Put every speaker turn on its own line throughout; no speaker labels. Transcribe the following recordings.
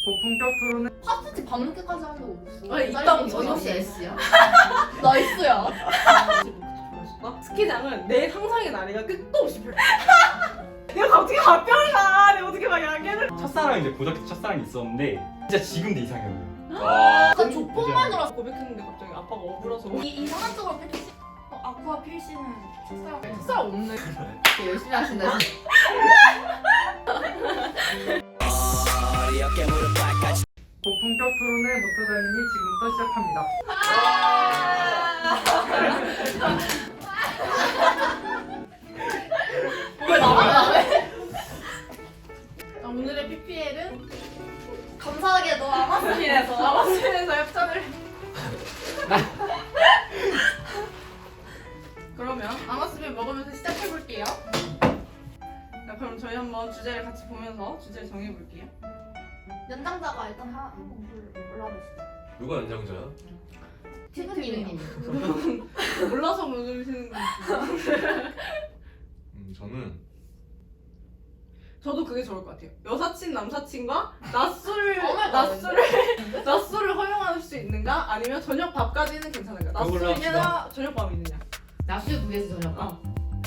고품격 토론은
파스티 밤늦게까지 하는 거 없어.
아니, 있다고
저녁
저녁
시 S야? 나 S야.
스키장은 내 상상의 나래가 끝도 없이 펼쳐. 내가 어떻게 가평을 가? 내가 어떻게 막 야기를?
첫사랑 이제 고등학교 때 첫사랑이 있었는데 진짜 지금도 이상형이에요.
나 조폭만 들었어.
고백했는데 갑자기 아빠가 억울해서.
이상한 쪽으로 펼쳤어. 아쿠아 필씨는
쌀 없네.
되게 열심히 하신다. 진짜.
고품격 토론의 모토다인이 지금부터 시작합니다.
왜 나만 왜?
자, 오늘의 PPL은
감사하게도 아마스민에서
아마스에서 협찬을. 그러면 아마스빈 먹으면서 시작해 볼게요. 자, 그럼 저희 한번 주제를 같이 보면서 주제를 정해 볼게요.
연장자가 일단 한번 올라보시죠.
누가 연장자야?
티그님이요.
몰라서 모르시는 건지.
저는
저도 그게 좋을 것 같아요. 여사친 남사친과 낮술을
어머나,
낮술을 허용할 수 있는가? 아니면 저녁 밥까지는 괜찮은가?
그걸로
낮술이냐 저녁 밥이 있느냐?
낮술 vs 저녁.
어.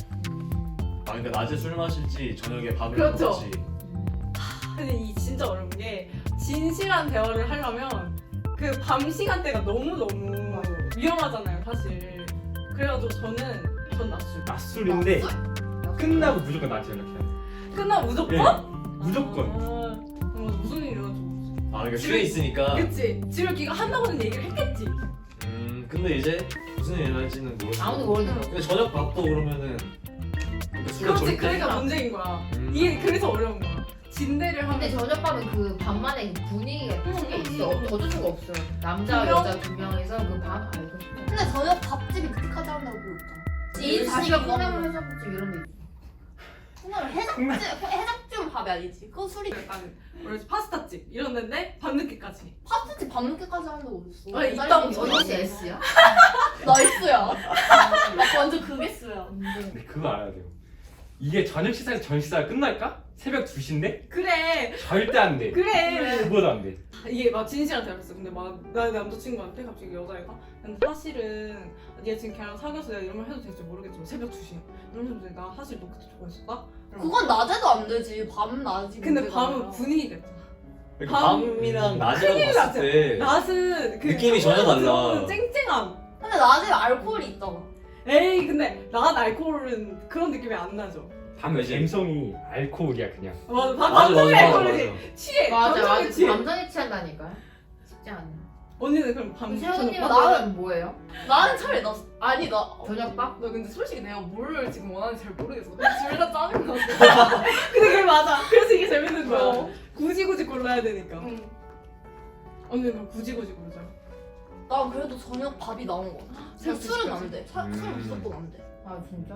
아 그러니까 낮에 술 마실지 저녁에 밥을
그렇죠.
먹을지.
근데 이 진짜 어려운 게 진실한 대화를 하려면 그 밤 시간대가 너무 위험하잖아요, 사실. 그래가지고 전 낮술.
낮술인데 끝나고 무조건 나한테 연락해야 돼.
끝나고 무조건?
예, 무조건.
무슨 일이 일어났지?
아 그러니까
집에-
술에 있으니까.
그치? 집에 귀가 한다고는 얘기를 했겠지.
근데 이제 무슨 일이 날지는 모르겠어.
아무도 모르는 거.
근데 저녁 밥도 그러면은 그러니까 술은
그렇지,
절대.
그러니까 문제인 거야. 이게 그래서 어려운 거야. 진대를 하면.
근데 저녁밥은 그 밤만의 분위기가 크게 있어. 어쩔 수가 없어. 남자
두 명?
여자 두 명이서 그 밤 알고 싶어. 근데 저녁 밥집이 그렇게까지 한다고 없잖아. 이 자식이 콩나물 해장국집 이런 데 있어. 콩나물 해장국집은 밥이 아니지. 그건 술이.
약간 뭐지 파스타집 이런 데인데 밤늦게까지.
파스타집 밤늦게까지 하는 거 어딨어.
아니, 있다고
저녁 시
저녁.
S야? 나 S야. 나 완전 그게 S야.
근데 그거 알아야 돼요. 이게 저녁 식사에서 저녁 식사가 끝날까? 새벽 2시인데?
그래.
절대 안 돼.
그래.
그거도 안 돼.
이게 막 진실한 대화였어. 근데 막 나 남자친구한테 갑자기 여자애가 근데 사실은 얘 지금 걔랑 사귀어서 내가 이런 말 해도 될지 모르겠지만 새벽 2시에 이러면서 나 사실 너 그때 좋아했었다?
그건 낮에도 안 되지. 밤 낮이.
근데
문제가
밤은
아니라.
분위기가 있잖아.
그러니까
밤-
밤이랑 낮이랑
큰일
봤을 때
낮은 그
느낌이 전혀 달라.
들어오는 쨍쨍함.
근데 낮에 알코올이 있잖아.
에이 근데 낮 알코올은 그런 느낌이 안 나죠.
밤에
그치.
감성이 알코올이야 그냥.
맞아.
맞아
밤송이
맞아
알코올이지. 취해. 감정에 취해.
감정에 취한다니까. 쉽지 않아.
언니는 그럼 밤
세훈님
저녁
나는 뭐예요?
나는 차라리 나 아니 나
저녁밥?
나 근데 솔직히 내가 뭘 지금 원하는지 잘 모르겠어. 둘 다 짜증나.
근데 그게 맞아. 그래서 이게 재밌는 거야.
어.
굳이 골라야 되니까.
응.
언니는 그럼 굳이 고르잖아.
난 그래도 저녁 밥이 나온 거.
새벽
술은
2시까지?
안 돼. 술은 무조건 안 돼.
아 진짜?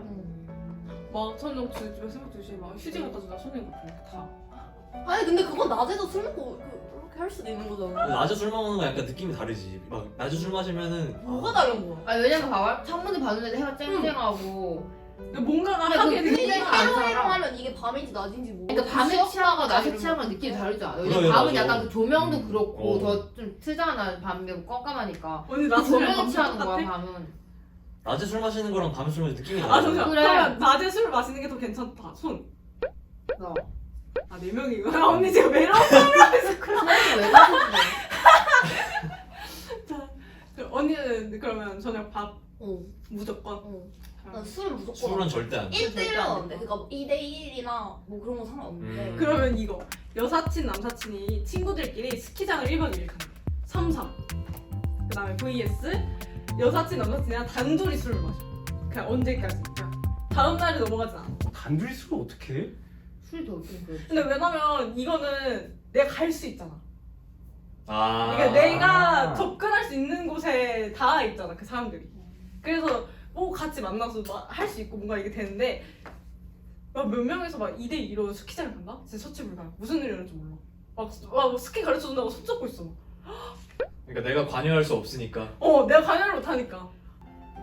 막 저녁 집에 새벽 2시에 막 휴지 갖다 주다 손님 같은 거 다.
아니 근데 그건 낮에도 술 먹고 그렇게 할 수도 있는 거잖아.
낮에 술 먹는 거 약간 느낌이 다르지. 막 낮에 술 마시면은
뭐가 다른 거야?
아 왜냐면 봐봐 창문을 봤는데 해가 쨍쨍하고
근데 뭔가가
근데
하게
그
되는
근데
게
안
해로
살아.
하면 이게 밤인지 낮인지 모르.
그러니까 밤에 취향과 낮에 취향과 느낌이 다르지 않아? 왜냐면
그래,
밤은
맞아.
약간 그 조명도 그렇고
어.
더 좀 트잖아. 밤에 깜깜하니까
언니
그
나
조명이 취하는 거야 밤은.
낮에 술 마시는 거랑 밤에 술 마시는 느낌이
아
달라.
잠시만.
그래.
그러면 낮에 술 마시는 게 더 괜찮다. 손.
너
아 4명이구나. 언니 지금 매력.
손이 왜 가지고
언니는 그러면 저녁 밥
어.
무조건.
난 술은 무조건.
술은 절대 안 돼.
1대1은 안 돼. 그러니까 뭐 2대1이나 뭐 그런 거 상관없는데.
그러면 이거 여사친 남사친이 친구들끼리 스키장을 1박 2일 간다. 3-3. 그 다음에 vs 여사친 남사친이랑 단둘이 술을 마셔. 그냥 언제까지. 그냥 다음 날에 넘어가진 않아.
단둘이 술을 어떻게 해?
술이 더 웃긴 거지.
근데 왜냐면 이거는 내가 갈 수 있잖아.
아.
그러니까 내가 접근할 수 있는 곳에 다 있잖아 그 사람들이. 그래서 뭐 같이 만나서 할 수 있고 뭔가 이게 되는데 막 몇 명에서 막 2대2로 스키장을 간다? 진짜 처치불가야. 무슨 일이 일어날지 몰라. 막 스키 가르쳐준다고 손잡고 있어.
그러니까 내가 관여할 수 없으니까.
내가 관여를 못하니까.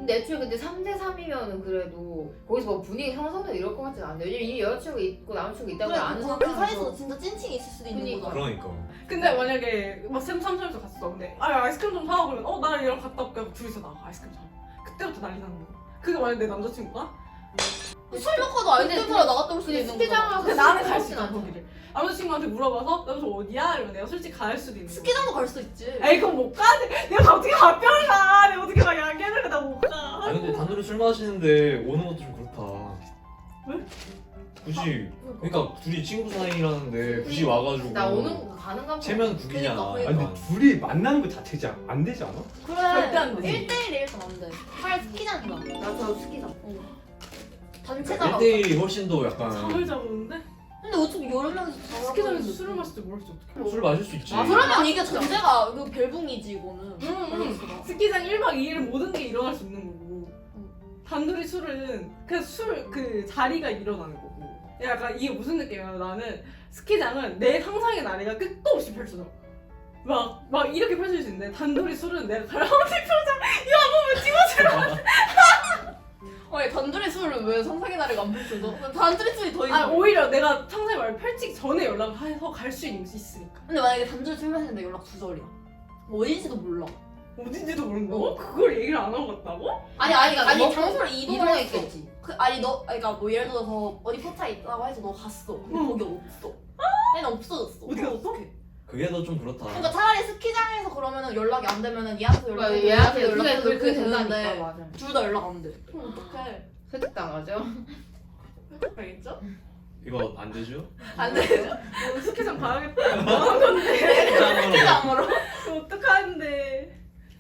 근데 애초에 근데 3대 3이면은 그래도 거기서 뭐 분위기 형성되고 이럴 것 같진 않은데 왜냐면 이미 여자친구가 있고 남자친구가 있다고 아는
그 사이에서 진짜 찐친이 있을 수도 있는
그니까.
거잖아.
그러니까.
근데 만약에 막 삼삼삼에서 갔어. 근데 아이스크림 좀 사와 그러면 나 얘랑 갔다 올게 하고 둘이서 나가 아이스크림 사. 그때부터 난리 나는 거야. 그게 만약 내 남자친구가?
술 먹고도 아이스크림 사러 나갔다 올 수도
근데
있는
스키장
거잖아.
근데 나는 갈 수
그렇진
있어
않잖아.
거기를. 남자친구한테 물어봐서 남자 어디야? 이러면 내가 솔직히 갈 수도 있는 거야.
스키장도 갈 수 있지.
에이 그럼 못 가. 내가 어떻게 가평을 가. 내가 어떻게 막 양계를 나 못 가.
아니 근데 단둘이 술 마시는데 오는 것도 좀 그렇다.
왜?
굳이 그러니까 둘이 친구 사이라는데 굳이 와가지고
나 오는 거 가는 가
체면 국이잖아.
그러니까.
아니 근데 둘이 만나는 거 자체가 안 되지 않아?
그래.
절대 안 되지.
1대1이 일단 안 돼. 차라리 스키장이다.
나저 스키장
단체잖아.
1대1이 훨씬 더 약간
잠을 자보는데
근데 어차피 여러 명이서 다
스키장에서 술을 마실 줄 모르지 어떡해.
술 마실 수 있지.
그러면 이게 전제가 이거 벨붕이지 이거는.
응. 스키장 1박 2일은 모든 게 일어날 수 있는 거고 단둘이 술은 그냥 그 자리가 일어나는 거고 약간 이게 무슨 느낌이야. 나는 스키장은 내 상상의 나래가 끝도 없이 펼쳐져. 막 이렇게 펼쳐질 수 있는데 단둘이 술은 내가 가라앉은 표정 이거 한 번만 찍어주라.
아니 단둘이 술을 왜 상상의 나래가 안 펼쳐져? 단둘이 술이 더
아
있어.
오히려 내가 상상의 말을 펼치기 전에 연락을 해서 갈 수 있으니까.
근데 만약에 단둘이 술 마시는데 연락 두절이야. 뭐 어딘지도 몰라.
어딘지도 모른다고? 그걸 얘기를 안 하고 갔다고?
아니
먹고
장소를 이동했어.
이동했겠지.
그러니까 뭐 예를 들어서 어디 포차에 있다고 해서 너 갔어. 근데
응.
거기 없어. 얘는 없어졌어.
어디 갔어?
어떡해?
그게 더 좀 그렇다.
그러니까 차라리 스키장에서 그러면은 연락이 안 되면은 얘한테 연락해.
얘한테
얘한테
연락해도
연락해도
그게
그게
된다니까
되는데
맞아
둘 다 연락 안 돼. 그럼 어떡해?
설득당하죠.
알겠죠?
이거 안 되죠?
안 돼.
오늘 스키장 가야겠다. 뭐 한 건데?
스키장으로.
어떡하는데?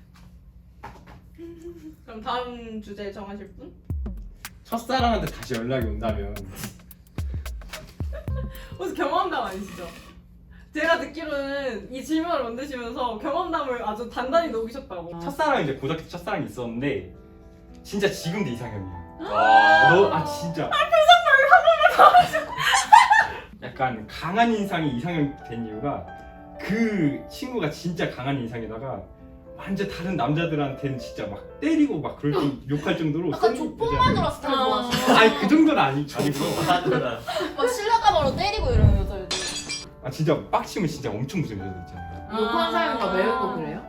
그럼 다음 주제 정하실 분?
첫사랑한테 다시 연락이 온다면
혹시 경험담 아니시죠? 제가 듣기로는 이 질문을 만드시면서 경험담을 아주 단단히 녹이셨다고.
첫사랑 이제 고등학교 첫사랑이 있었는데 진짜 지금도 이상형이야.
아,
진짜. 표정 약간 강한 인상이 이상형 된 이유가 그 친구가 진짜 강한 인상에다가 완전 다른 남자들한테는 진짜 막 때리고 막 그럴 정 욕할 정도로
약간
센
족폭만
여자야.
들어 스타일 좋아하시네.
아니 그 정도는 아니고
하더라.
막 실라가바로 때리고 이러는 여자애들.
아 진짜 빡치면 진짜 엄청 무서운 여자들 있잖아요.
욕하는 사람과 매운 거 그래요?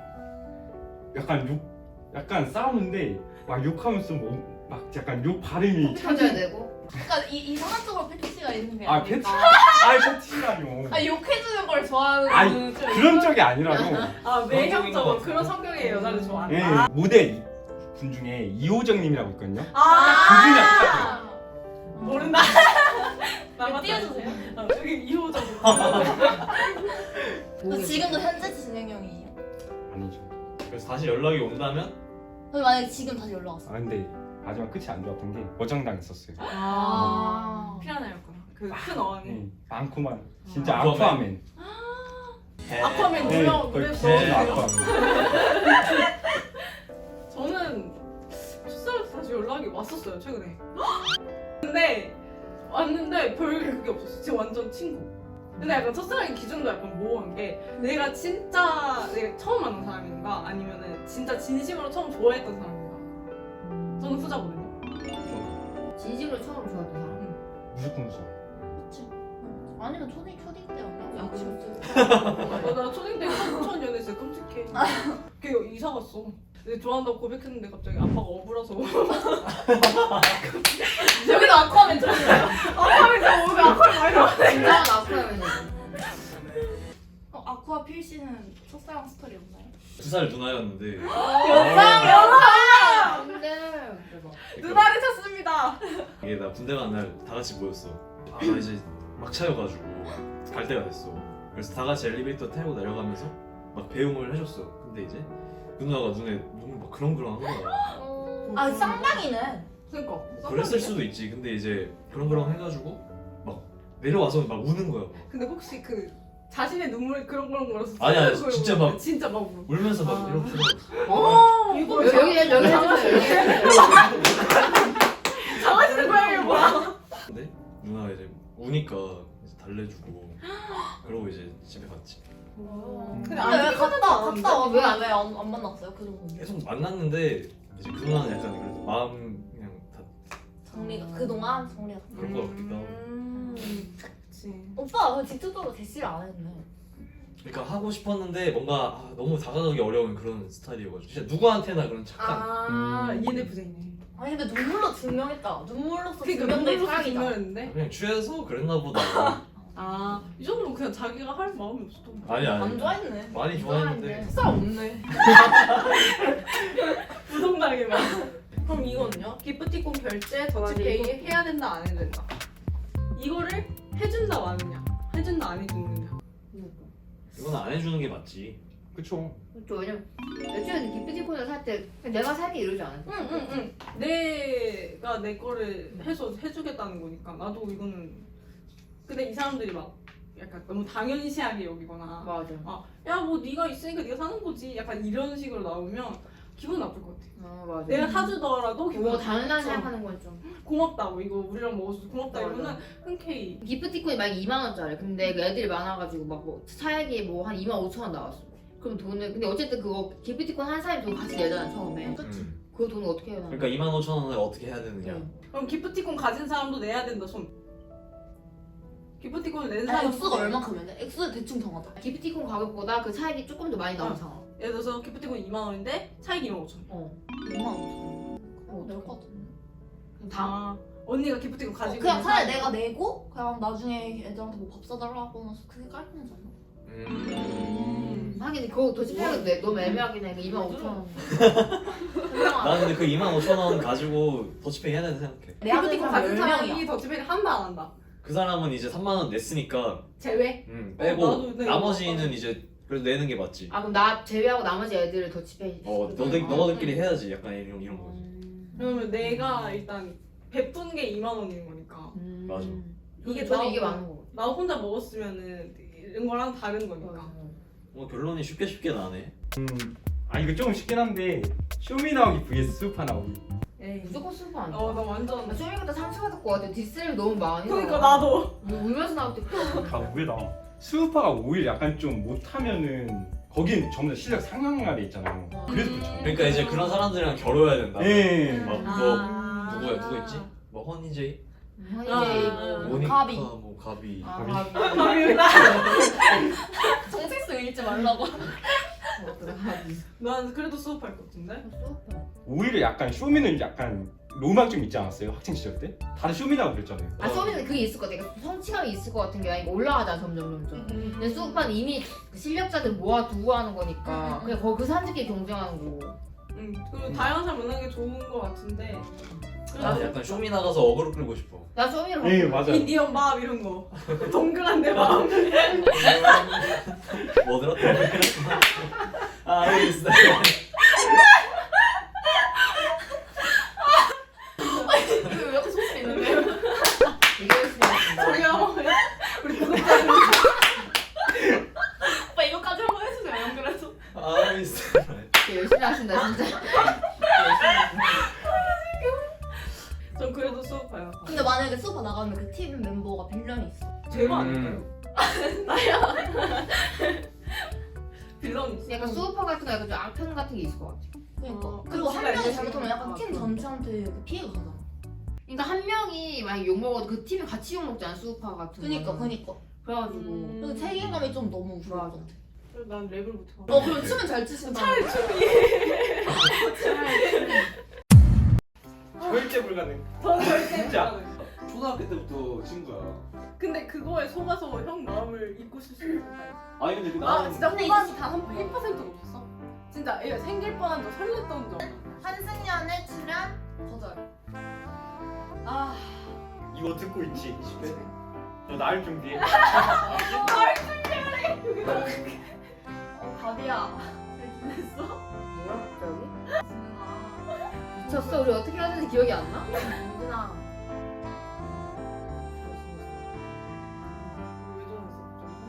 약간 싸우는데 막 욕하면서 막 약간 욕 발음이
쳐줘야 되고.
그러니까 이상한 쪽으로 패티시가 있는 게
아
아닐까.
패치 아이 패치라뇨.
아 욕해주는 걸 좋아하는
아니
좀
그런 쪽이 아니라고.
아 매형적으로
것
그런 성격의 여자를
예,
좋아한다.
모델 분 중에 이호정님이라고 있거든요.
아,
그분이랑
모른다.
띄워주세요.
여기 이호정.
지금도 현재 진행형이에요.
아니죠.
그래서 다시 연락이 온다면
근데 만약에 지금 다시 연락 왔어.
아 근데 마지막 끝이 안 좋았던 게 거장당했었어요.
아.
피라나였구나. 그 큰 어항이.
네, 많구만. 진짜
아쿠아맨.
아쿠아맨.
아쿠아맨
네,
놀라고
거의
그랬어.
진짜 아쿠아맨.
저는 첫사랑한테 다시 연락이 왔었어요 최근에. 근데 왔는데 별 그게 없었어. 지금 완전 친구. 근데 약간 첫사랑의 기준도 약간 모호한 게 내가 진짜 내가 처음 만난 사람인가 아니면은 진짜 진심으로 처음 좋아했던 사람인가. 저는 후자거든요.
진심으로 처음 좋아했던 사람.
무조건 웃어.
그치. 아니면 초딩 때 연락.
야, 그치.
나 초딩 때 처음 연애했을 때 끔찍해. 걔 이사 갔어. 근데 좋아한다고 고백했는데 갑자기 아빠가 억울해서
여기도 아쿠아맨 들었어요.
아빠가 오늘 아빠를 많이 나왔네.
진짜 아쿠아맨이지.
아쿠아 필 씨는 첫사랑 스토리 없나요?
2살 누나였는데
근데 대박.
누나를 찾습니다.
이게 나 군대 간 날 다 같이 모였어. 아 나 이제 막 차여가지고 갈 때가 됐어. 그래서 다 같이 엘리베이터 타고 내려가면서 막 배웅을 해줬어. 근데 이제 그 누나가 눈에 너무 막 그렁그렁한 거야.
아 쌍방이네.
그러니까.
그랬을 수도 있지. 근데 이제 그렁그렁 해가지고 막 내려와서 막 우는 거야. 막.
근데 혹시 그 자신의 눈물에 그런 걸어서
아니, 진짜 막-
진짜 막 울어.
울면서 막
아.
이렇게
이거
여기 해주세요.
장하시는 고양이 뭐야?
근데 누나가 이제 우니까 이제 달래주고 그러고 이제 집에 갔지.
근데
근데 왜
안
갔다
왜 안
안 만났어요? 그 정도.
계속 만났는데 이제 그 누나는 약간 그래도 마음 그냥 다
정리가 그동안 정리가.
그런 거 같기도 하고.
그치.
오빠 직접적으로 대시를 안 했네.
그러니까 하고 싶었는데 뭔가 너무 다가가기 어려운 그런 스타일이어가지고 진짜 누구한테나 그런 착한
ENFJ네.
아니 근데 눈물로 증명했다. 눈물로서
그러니까
증명된
눈물로
사랑이다.
증명했는데.
그냥 취해서 그랬나 보다.
이 정도면 그냥 자기가 할 마음이 없었던 거야.
아니
안 좋아했네.
많이 좋아했는데
사람 없네. 부동당해만. 그럼 이거는요? 기프티콘 결제 더치페이 해야 된다 안 해야 된다. 이거를 해준다 마느냐, 해준다 안 해주느냐.
이건 안 해주는 게 맞지.
그쵸.
그렇죠. 왜냐면 여친은 기프티콘을 살 때 내가 살게 이러지 않았어.
응. 내가 내 거를 해서 해주겠다는 거니까 나도 이거는. 근데 이 사람들이 막 약간 너무 당연시하게 여기거나.
맞아.
야 뭐 네가 있으니까 네가 사는 거지. 약간 이런 식으로 나오면 기분 나쁠 것 같아.
맞아.
내가 사주더라도 기분
뭐
나쁠
당연한
것 같아.
생각하는 건 좀.
고맙다고 이거 우리랑 먹어서 고맙다
맞아.
이러면 흔쾌히.
기프티콘이 막 2만 원짜리. 근데 그 애들이 많아가지고 막 뭐 차액이 뭐 한 2만 5천 원 나왔어. 그럼 돈을 근데 어쨌든 그거 기프티콘 한 사람이 돈 같이 내잖아 처음에. 그 돈을 어떻게 해야 되나?
그러니까 25,000원을 어떻게 해야 되느냐.
그럼 기프티콘 가진 사람도 내야 된다 손. 기프티콘을 낸
아,
사람
액수가 얼마큼인데 액수를 대충 정하자.
기프티콘 가격보다 그 차익이 조금 더 많이 나온 상황.
예를 들어서 기프티콘 2만 원인데 차익 2만 5천 원.
2만 5천. 그럼 될것 같은데.
다 언니가 기프티콘 가지고
그냥
있는
차라리
사람.
내가 내고 그냥 나중에 애들한테 뭐 밥 사달라고 하면 그게 깔끔하지 않나?
하긴 그거 도시락은 너무 애매하긴 해. 2만 5천 원.
나 근데 그 25,000원 가지고 더치페이 해야 된다 생각해.
기프티콘 가진 사람이
10명이야.
더치페이를 한다 안 한다.
그 사람은 이제 3만 원 냈으니까
제외.
빼고
나도 네,
나머지는
이거
이제 그래도 내는 게 맞지.
아 그럼 나 제외하고 나머지 애들을 더치페이.
너희들끼리 해야지. 약간 이런 거지.
그러면 내가 일단 베푼 게 2만 원인 거니까.
맞아.
이게
저는
나-
이게 많은 거.
나 혼자 먹었으면은 이런 거랑 다른 거니까.
뭐 결론이 쉽게 나네.
이거 조금 쉽긴 한데 쇼미 나오기 vs 수우파 나오기.
에이.
무조건 수고 아니야.
나 완전.
나 쇼미보다 상처받을 것 같아. 디스를 너무 많이.
그러니까
나와.
나도.
뭐 울면서 나올 때.
다 우회다. 수우파가 오히려 약간 좀 못하면은 거긴 전부 다 실력 상향화돼 있잖아요. 그래서 그렇죠.
그러니까 이제 그런 사람들이랑 겨뤄야 된다.
예.
막
아.
누가 있지? 뭐 허니제이,
허니제이
아.
뭐.
모니카,
가비.
뭐 가비.
아,
가비.
정색성 읽지 말라고.
난 그래도 수업할 것 같은데.
오히려 약간 쇼미는 약간 로망 좀 있지 않았어요? 학창 시절 때? 다들 쇼미라고 그랬잖아요.
아 쇼미는 그게 있을 것 같아. 그러니까 성취감이 있을 것 같은 게 아니고 올라가잖아 점점. 근데 수업반 이미 실력자들 모아두고 하는 거니까 그냥 그 사람들끼리 경쟁하는 거고.
그리고 다양한 사람 만나는 게 좋은 것 같은데.
나는 약간 쇼미 나가서 어그로 끌고 싶어.
나 쇼미를
예, 맞아요.
인디언 마음 이런 거. 동그란 내 마음.
뭐 들었다? 알겠어.
왜 이렇게 소심 있는데?
되게 열심히 했습니다.
저기요. 우리 구독자들.
오빠 이거까지 한번 해주세요. 연결해서.
알겠어.
되게 열심히 하신다 진짜.
전 그래도 수업해요.
근데 만약에 수업 나가면 그 팀 멤버가 빌런이 있어.
제가 아닐까요? 빌런 있어.
약간 수업파 같은 거 약간 좀 악평 같은 게 있을 것 같아.
그러니까. 그리고 한 명이 잘못하면 약간 팀 전체한테 그 피해가 가잖아.
그러니까 한 명이 만약 욕 먹어도 그 팀이 같이 욕 먹잖아 수업파 같은 거.
그니까.
그래가지고.
그 책임감이 좀 너무 무서워.
맞아.
난 랩을 못해.
그럼 춤은 잘 추신다.
차라리 춤이
절대 불가능.
더 절대
진짜.
불가능.
초등학교 때부터 친구야.
근데 그거에 속아서 형 마음을 잊고 싶을 수 있을까?
아니 근데 그
아 진짜
근데
후반 단 1%도 없었어? 진짜 얘 생길 뻔한 적 설렜던 적.
한승연의 출연 거절.
아
이거 듣고 있지? 20대? 너 나을 준비해.
여기다.
가비야. 잘 지냈어?
뭐야 갑자기?
진아.
미쳤어? 우리 어떻게 하는지 기억이 안 나?
진아.
왜 저랬어?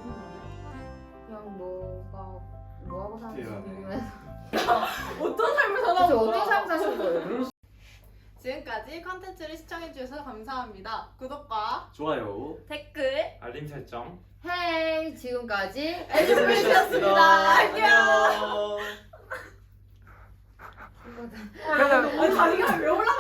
그냥 너가 뭐 하고 사는지
대단해.
궁금해서.
어떤 삶을
그래서
살아온
어떤
거야?
삶 사신 거예요?
지금까지 컨텐츠를 시청해주셔서 감사합니다. 구독과
좋아요.
댓글.
알림 설정.
헤이 지금까지
에듀스페이스였습니다. 안녕.
안녕.
거다.
그래서
아니 자기가 왜 올라가?